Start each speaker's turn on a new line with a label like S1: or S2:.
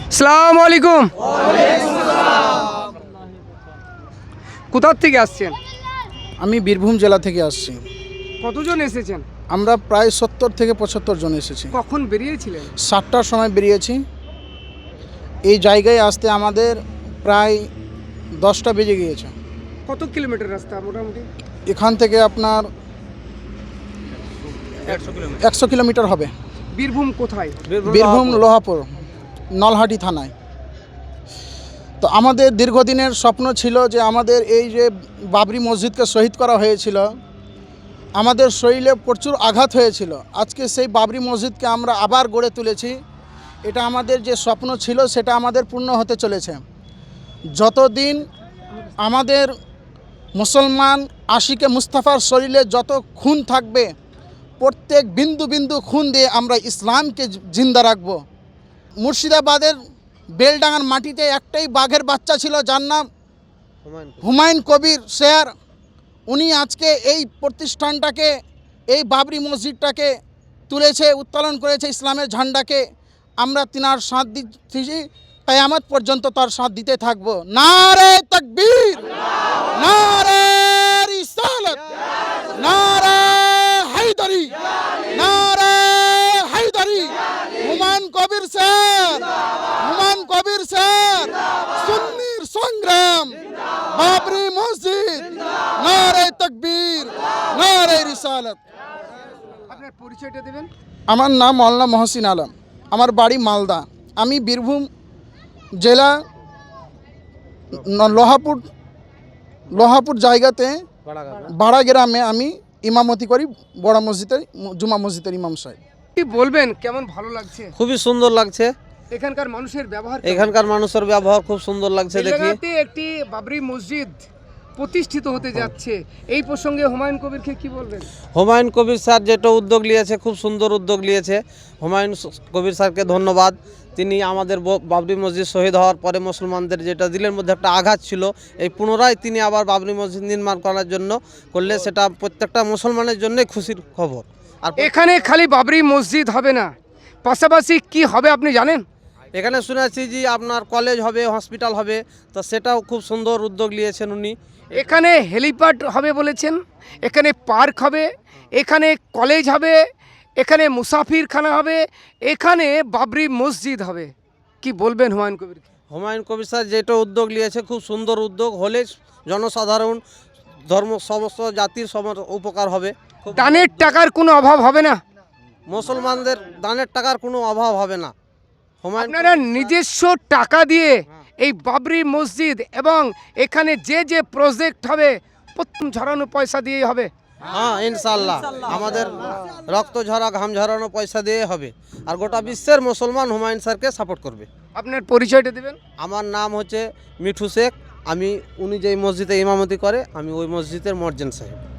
S1: আসসালামু আলাইকুম। কোথা থেকে আসছেন?
S2: আমি বীরভূম জেলা থেকে আসছি।
S1: কতজন এসেছেন?
S2: আমরা প্রায় 70 থেকে 75 জন এসেছি।
S1: কখন বেরিয়েছিলেন?
S2: 7টার সময় বেরিয়েছি। এই জায়গায় আসতে আমাদের প্রায় 10টা বেজে গিয়েছে।
S1: কত কিলোমিটার রাস্তা মোটামুটি?
S2: এখান থেকে আপনার 100 কিলোমিটার হবে।
S1: বীরভূম কোথায়?
S2: বীরভূম লোহাপুর, নলহাটি থানায়। তো আমাদের দীর্ঘদিনের স্বপ্ন ছিল যে আমাদের এই যে বাবরি মসজিদকে শহীদ করা হয়েছিল, আমাদের শরীরে প্রচুর আঘাত হয়েছিল। আজকে সেই বাবরি মসজিদকে আমরা আবার গড়ে তুলেছি। এটা আমাদের যে স্বপ্ন ছিল সেটা আমাদের পূর্ণ হতে চলেছে। যতদিন আমাদের মুসলমান আশিকে মুস্তাফার শরীরে যত খুন থাকবে, প্রত্যেক বিন্দু বিন্দু খুন দিয়ে আমরা ইসলামকে জিন্দা রাখব। মুর্শিদাবাদের বেলডাঙ্গার মাটিতে একটাই বাঘের বাচ্চা ছিল, যার নাম হুমায়ুন কবির শেয়ার। উনি আজকে এই প্রতিষ্ঠানটাকে, এই বাবরি মসজিদটাকে তুলেছে, উত্তোলন করেছে ইসলামের ঝান্ডাকে। আমরা তিনার সাথ দিচ্ছি, কিয়ামত পর্যন্ত তার সাথ দিতে থাকবো। নারে তাকবীর, নারে রিসালাত, নারে হায়দারি, নারে হায়দারি। হুমায়ুন কবির স্যার, হুমায়ুন কবির স্যার, সুন্নির সংগ্রাম, বাবরি মসজিদ, নারে তাকবীর, নারে রিসালাত।
S1: আপনার পরিচয়টা দেবেন?
S2: আমার নাম মওলানা মহসিন আলম, আমার বাড়ি মালদা। আমি বীরভূম জেলা লোহাপুর জায়গাতে বাড়া গ্রামে আমি ইমামতি করি, বড় মসজিদের জুমা মসজিদের ইমাম সাহেব।
S1: কি বলবেন, কেমন ভালো লাগছে?
S3: খুবই সুন্দর লাগছে।
S1: এখানকার মানুষের ব্যবহার?
S3: এখানকার মানুষের ব্যবহার খুব সুন্দর লাগছে দেখি।
S1: এলাকাতে একটি বাবরি মসজিদ প্রতিষ্ঠিত হতে যাচ্ছে, এই প্রসঙ্গে হুমায়ুন কবিরকে কি বলবেন?
S3: হুমায়ুন কবির স্যার যেটা উদ্যোগ নিয়েছে, খুব সুন্দর উদ্যোগ নিয়েছে। হুমায়ুন কবির স্যারকে ধন্যবাদ। তিনি আমাদের বাবরি মসজিদ শহীদ হওয়ার পরে মুসলমানদের যেটা দিলের মধ্যে একটা আঘাত ছিল, এই পুনরায় তিনি আবার বাবরি মসজিদ নির্মাণ করার জন্য করলে সেটা প্রত্যেকটা মুসলমানের জন্যই খুশির খবর। আর
S1: এখানে খালি বাবরি মসজিদ হবে না, পাশাপাশি কি হবে আপনি জানেন?
S3: এখানে শুনেছি যে আপনার কলেজ হবে, হসপিটাল হবে, তো সেটাও খুব সুন্দর উদ্যোগ নিয়েছেন উনি।
S1: এখানে হেলিপ্যাড হবে বলেছেন, এখানে পার্ক হবে, এখানে কলেজ হবে, এখানে মুসাফিরখানা হবে, এখানে বাবরি মসজিদ হবে। কি বলবেন হুমায়ুন কবির?
S3: হুমায়ুন কবির স্যার যেটা উদ্যোগ নিয়েছে খুব সুন্দর উদ্যোগ, হলে জনসাধারণ ধর্ম সমস্ত জাতির সবার উপকার হবে।
S1: দানের টাকার কোনো অভাব হবে না,
S3: মুসলমানদের দানের টাকার কোনো অভাব হবে না।
S1: আপনারা নিজস্ব টাকা দিয়ে এই বাবরি মসজিদ এবং এখানে যে যে প্রজেক্ট হবে প্রথম ঝরানো পয়সা দিয়েই হবে?
S3: হ্যাঁ, ইনশাআল্লাহ আমাদের রক্ত ঝরা ঘাম ঝরানো পয়সা দিয়ে হবে। আর গোটা বিশ্বের মুসলমান হুমায়ুন স্যারকে সাপোর্ট করবে।
S1: আপনার পরিচয়টা দেবেন?
S3: আমার নাম হচ্ছে মিঠু শেখ। উনি যেই মসজিদে ইমামতি করে, আমি ওই মসজিদের মর্জেন সাহেব।